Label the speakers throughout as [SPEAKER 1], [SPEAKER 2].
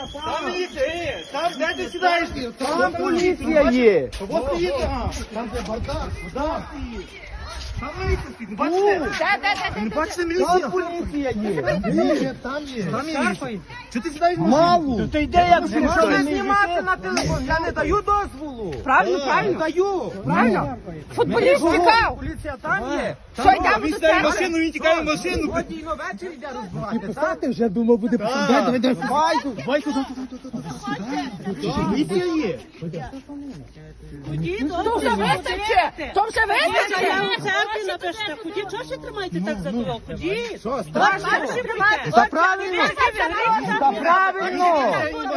[SPEAKER 1] Там міліція є. Там, де ти сідаєш?
[SPEAKER 2] Там поліція є.
[SPEAKER 1] От приїде. Там де бардак. Там міліція стоїть. Бачите? Не бачите міліцію?
[SPEAKER 2] Там поліція є.
[SPEAKER 1] Там є. Там міліція. Чи ти сідаєш в
[SPEAKER 2] Мало.
[SPEAKER 1] Ти йде як
[SPEAKER 2] Що не знімати на телефон? Я не даю дозволу.
[SPEAKER 3] Правильно,
[SPEAKER 2] Не
[SPEAKER 3] правильно.
[SPEAKER 2] даю.
[SPEAKER 3] Правильно. Футболіст тікав.
[SPEAKER 2] Поліція там є.
[SPEAKER 3] Що, йдемо
[SPEAKER 1] Він
[SPEAKER 3] до
[SPEAKER 1] сідає в
[SPEAKER 3] тебе?
[SPEAKER 1] машину, він тікає в машину.
[SPEAKER 2] Сьогодні і ввечері йде розбивати, так?
[SPEAKER 1] Ти вже думав буде
[SPEAKER 2] Давай,
[SPEAKER 1] Байку. Міліція є.
[SPEAKER 3] То вже вистачить. То вже вистачить.
[SPEAKER 4] Церкві напишете, ході, чого ще тримаєте так за дорогу? Ходіть.
[SPEAKER 1] Що,
[SPEAKER 3] Страшно.
[SPEAKER 2] Та правильно. Та правильно.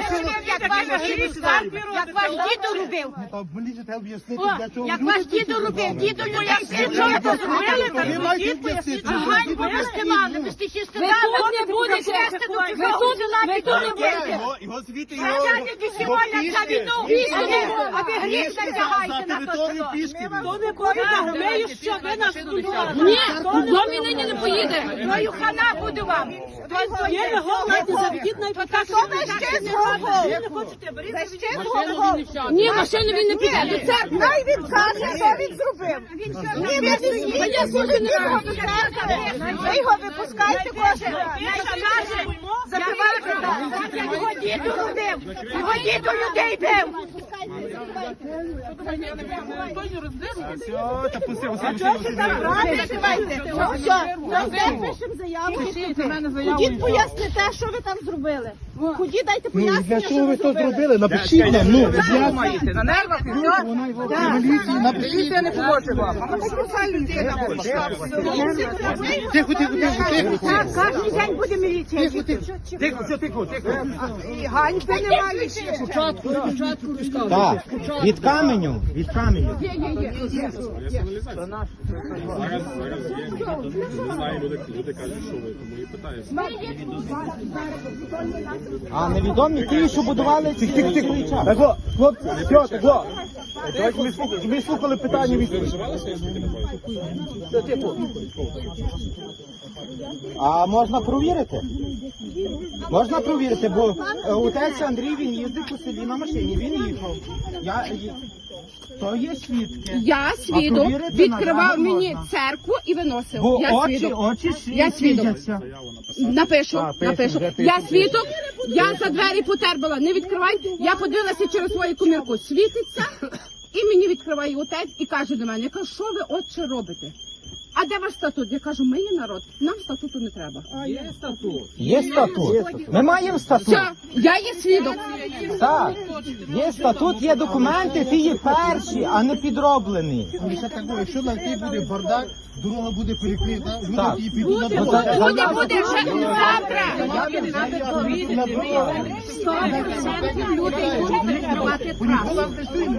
[SPEAKER 3] Як ваш дідо робив.
[SPEAKER 1] Мені ж треба об'яснити,
[SPEAKER 3] О,
[SPEAKER 1] для чого
[SPEAKER 3] як
[SPEAKER 1] люди
[SPEAKER 3] ваш дідо робив, дідо людей чого
[SPEAKER 1] Ви
[SPEAKER 3] то зробили?
[SPEAKER 1] маєте об'яснити.
[SPEAKER 3] Ганьбу ви сказали, ви ж ще сказали.
[SPEAKER 4] тут не будете. Ви тут не будете.
[SPEAKER 1] Його звідти,
[SPEAKER 3] Радяники сьогодні за війну а ви гріх натягаєте на
[SPEAKER 1] територію
[SPEAKER 3] то.
[SPEAKER 1] пішки.
[SPEAKER 4] То не поїде, ми що, ви нас будували.
[SPEAKER 3] Ні, домі нині не поїде. Твою хана буду вам.
[SPEAKER 4] Є ви голодні, заведіть на іпотеку. Ви не хочете, беріть, заведіть.
[SPEAKER 3] Ні, машину він не піде до церкви.
[SPEAKER 5] Най він каже, що він зробив. Ні, ви не їдете. Ви його випускайте кожен раз. Забивайте так.
[SPEAKER 3] Його діду робив. Його діду людей бив.
[SPEAKER 1] Все, та пусти,
[SPEAKER 5] Пишемо заяву. Ходіть поясните, що ви там зробили. Ходіть, дайте пояснення,
[SPEAKER 1] Для
[SPEAKER 5] що
[SPEAKER 1] чого
[SPEAKER 5] ви
[SPEAKER 1] ви то
[SPEAKER 5] зробили.
[SPEAKER 1] зробили? Напишіть нам, ну,
[SPEAKER 2] Маєте на нервах і все.
[SPEAKER 1] міліції, напишіть.
[SPEAKER 2] Поліція не поможе вам.
[SPEAKER 1] Тихо.
[SPEAKER 5] Так, кожен день буде міліція.
[SPEAKER 2] Тихо.
[SPEAKER 5] І ганьби немає ще.
[SPEAKER 2] Так, від каменю. А невідомі ті, що будували ці
[SPEAKER 1] Так, хлопці, все, так, давайте ми слухали питання від
[SPEAKER 2] А можна провірити? Можна провірити, бо отець Андрій, він їздив по селі на машині, він їхав. То є свідки.
[SPEAKER 3] Я свідок,
[SPEAKER 2] провірити
[SPEAKER 3] відкривав
[SPEAKER 2] надалі
[SPEAKER 3] мені
[SPEAKER 2] можна.
[SPEAKER 3] церкву і виносив.
[SPEAKER 2] Бо
[SPEAKER 3] Я
[SPEAKER 2] очі
[SPEAKER 3] свідок.
[SPEAKER 2] свідчаться.
[SPEAKER 3] Я свідок. Напишу. Я свідок, я за двері потерпала, не відкривай. Я подивилася через свою комірку, світиться, і мені відкриває отець і каже до мене, я кажу, що ви, отче, робите? А де ваш статут? Я кажу, ми є народ, нам статуту не треба.
[SPEAKER 2] Є статут. Ми маємо статут.
[SPEAKER 3] Все, я є свідок.
[SPEAKER 2] Так. Є статут, є документи, ти є перші, а не підроблені.
[SPEAKER 1] Якщо на тій буде бардак, дорога буде перекрита,
[SPEAKER 2] Так.
[SPEAKER 1] люди підуть на дорогу.
[SPEAKER 3] Буде вже завтра. Люди будуть відкривати трасу.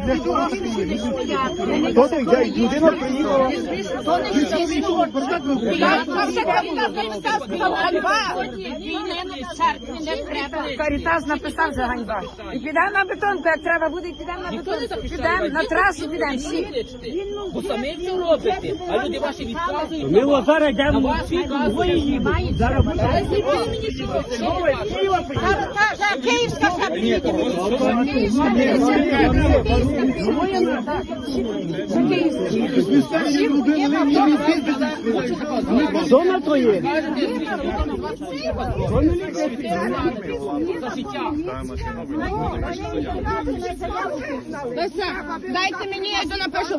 [SPEAKER 1] Людина приїхала.
[SPEAKER 5] Карітас написав за ганьба. І підемо на бетон, як треба буде, і підемо на бетон. Підемо на трасу, підемо всі.
[SPEAKER 4] Бо самі все робите, а люди ваші відказують.
[SPEAKER 6] Ми зараз йдемо
[SPEAKER 4] На вас відказують.
[SPEAKER 6] зараз
[SPEAKER 5] Київська сабріді.
[SPEAKER 6] зона твоє.
[SPEAKER 3] Дайте мені, я йду напишу.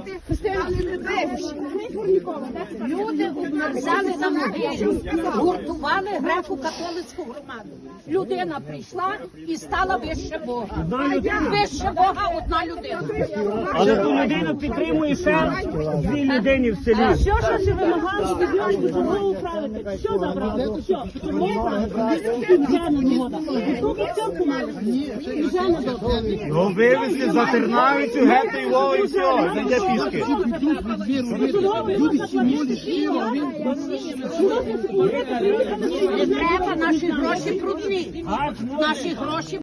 [SPEAKER 4] Люди обмерзали на могилі, гуртували греко-католицьку громаду. Людина прийшла і стала вище Бога. Вище Бога одна людина.
[SPEAKER 6] Але ту людину підтримує ще дві людини в селі.
[SPEAKER 4] Все, що ви вимагали, від нас допомогу управити. Все забрали, все.
[SPEAKER 1] Ну, вивезли за Тернавицю, гетто і Львова, і все, зайде пішки.
[SPEAKER 4] Не треба наші гроші брудні. Наші гроші